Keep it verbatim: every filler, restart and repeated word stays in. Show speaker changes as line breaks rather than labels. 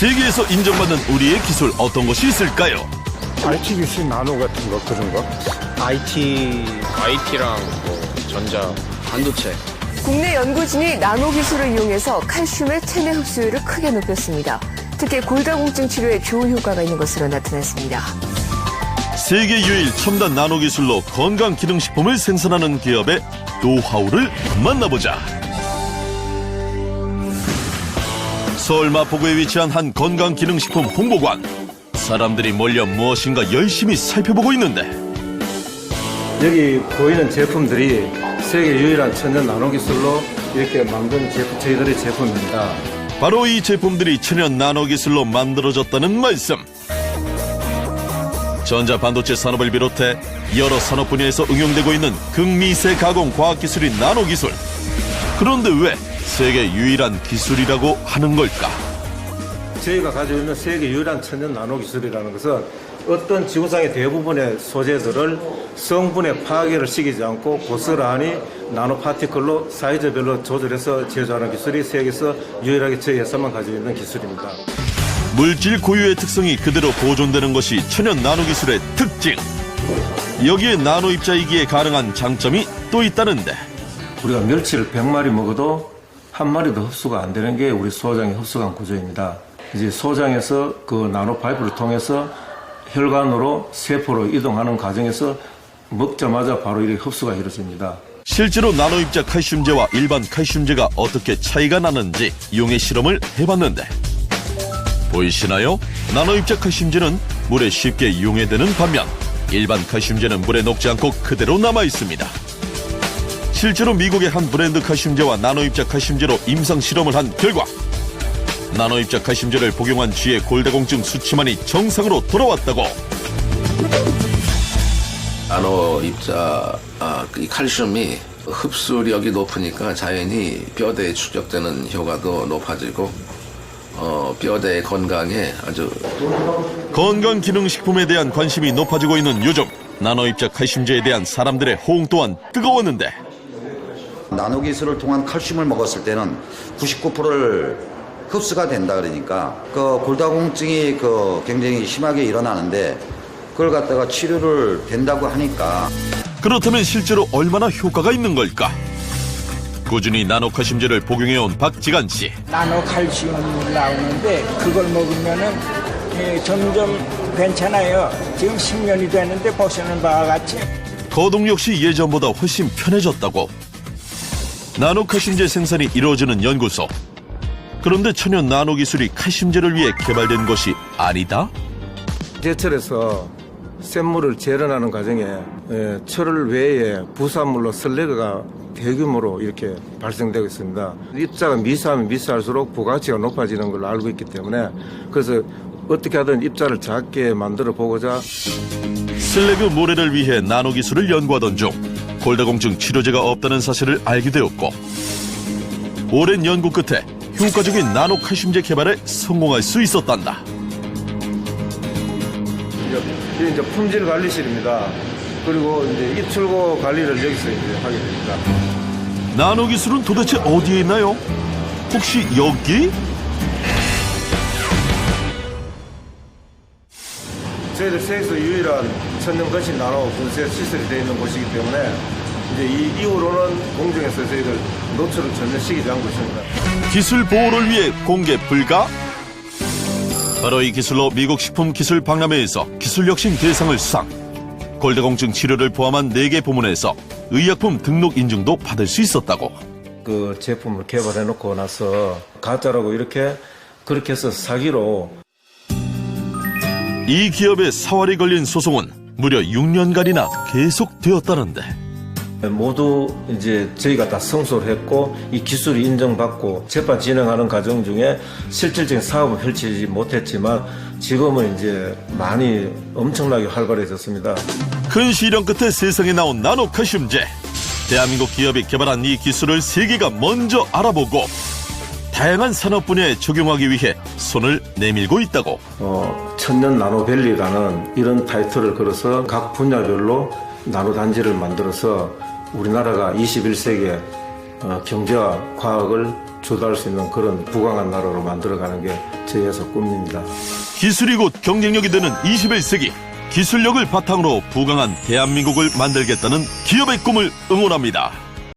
세계에서 인정받는 우리의 기술 어떤 것이 있을까요?
아이티 기술 나노 같은 거 그런 거?
아이티, 아이티랑 뭐 전자, 반도체.
국내 연구진이 나노 기술을 이용해서 칼슘의 체내 흡수율을 크게 높였습니다. 특히 골다공증 치료에 좋은 효과가 있는 것으로 나타났습니다.
세계 유일 첨단 나노 기술로 건강 기능식품을 생산하는 기업의 노하우를 만나보자. 서울 마포구에 위치한 한 건강 기능식품 홍보관. 사람들이 몰려 무엇인가 열심히 살펴보고 있는데
여기 보이는 제품들이 세계 유일한 천연 나노 기술로 이렇게 만든 제품, 저희들의 제품입니다.
바로 이 제품들이 천연 나노 기술로 만들어졌다는 말씀. 전자 반도체 산업을 비롯해 여러 산업 분야에서 응용되고 있는 극미세 가공 과학기술인 나노 기술. 그런데 왜 세계 유일한 기술이라고 하는 걸까?
저희가 가지고 있는 세계 유일한 천연 나노 기술이라는 것은 어떤 지구상의 대부분의 소재들을 성분의 파괴를 시키지 않고 고스란히 나노 파티클로 사이즈별로 조절해서 제조하는 기술이 세계에서 유일하게 저희 회사만 가지고 있는 기술입니다.
물질 고유의 특성이 그대로 보존되는 것이 천연 나노 기술의 특징. 여기에 나노 입자이기에 가능한 장점이 또 있다는데
우리가 멸치를 백 마리 먹어도 한 마리도 흡수가 안 되는 게 우리 소장의 흡수관 구조입니다. 이제 소장에서 그 나노 파이프를 통해서 혈관으로 세포로 이동하는 과정에서 먹자마자 바로 이렇게 흡수가 이루어집니다.
실제로 나노 입자 칼슘제와 일반 칼슘제가 어떻게 차이가 나는지 용해 실험을 해봤는데 보이시나요? 나노 입자 칼슘제는 물에 쉽게 용해되는 반면 일반 칼슘제는 물에 녹지 않고 그대로 남아 있습니다. 실제로 미국의 한 브랜드 칼슘제와 나노 입자 칼슘제로 임상 실험을 한 결과 나노 입자 칼슘제를 복용한 쥐의 골다공증 수치만이 정상으로 돌아왔다고.
나노 입자 아, 이 칼슘이 흡수력이 높으니까 자연히 뼈대에 축적되는 효과도 높아지고 어, 뼈대 건강에 아주
건강기능식품에 대한 관심이 높아지고 있는 요즘 나노 입자 칼슘제에 대한 사람들의 호응 또한 뜨거웠는데
나노 기술을 통한 칼슘을 먹었을 때는 구십구 퍼센트를 흡수가 된다 그러니까 그 골다공증이 그 굉장히 심하게 일어나는데 그걸 갖다가 치료를 된다고 하니까
그렇다면 실제로 얼마나 효과가 있는 걸까? 꾸준히 나노 칼슘제를 복용해온 박지간 씨.
나노 칼슘 나오는데 그걸 먹으면은 예, 점점 괜찮아요. 지금 십 년이 됐는데 보시는 바와 같이
거동 역시 예전보다 훨씬 편해졌다고. 나노 칼슘제 생산이 이루어지는 연구소. 그런데 천연 나노 기술이 칼슘제를 위해 개발된 것이 아니다?
제철에서 샘물을 재련하는 과정에 예, 철을 외에 부산물로 슬래그가 대규모로 이렇게 발생되고 있습니다. 입자가 미세하면 미세할수록 부가치가 높아지는 걸로 알고 있기 때문에 그래서 어떻게 하든 입자를 작게 만들어 보고자
슬래그 모래를 위해 나노 기술을 연구하던 중 골다공증 치료제가 없다는 사실을 알게 되었고 오랜 연구 끝에 효과적인 나노 칼슘제 개발에 성공할 수 있었단다.
이제, 이제 품질 관리실입니다. 그리고 이제 입출고 관리를 여기서 이제 하게 됩니다.
나노 기술은 도대체 어디에 있나요? 혹시 여기?
저희들 세계에서 유일한 천연 거실 나노 분쇄 시설이 되어 있는 곳이기 때문에 이제 이 이후로는 공중에서 저희들 노출을 전혀 시키지 않고 있습니다.
기술 보호를 위해 공개 불가? 바로 이 기술로 미국 식품기술박람회에서 기술혁신 대상을 수상. 골다공증 치료를 포함한 네 개 부문에서 의약품 등록 인증도 받을 수 있었다고.
그 제품을 개발해 놓고 나서 가짜라고 이렇게 그렇게 해서 사기로
이 기업의 사활이 걸린 소송은 무려 육 년간이나 계속되었다는데
모두 이제 저희가 다 성소를 했고 이 기술이 인정받고 재판 진행하는 과정 중에 실질적인 사업은 펼치지 못했지만 지금은 이제 많이 엄청나게 활발해졌습니다.
큰 시련 끝에 세상에 나온 나노 칼슘제. 대한민국 기업이 개발한 이 기술을 세계가 먼저 알아보고 다양한 산업 분야에 적용하기 위해 손을 내밀고 있다고.
어, 천년 나노밸리라는 이런 타이틀을 걸어서 각 분야별로 나노단지를 만들어서 우리나라가 이십일 세기에 어, 경제와 과학을 주도할 수 있는 그런 부강한 나라로 만들어가는 게 제 회사 꿈입니다.
기술이 곧 경쟁력이 되는 이십일 세기, 기술력을 바탕으로 부강한 대한민국을 만들겠다는 기업의 꿈을 응원합니다.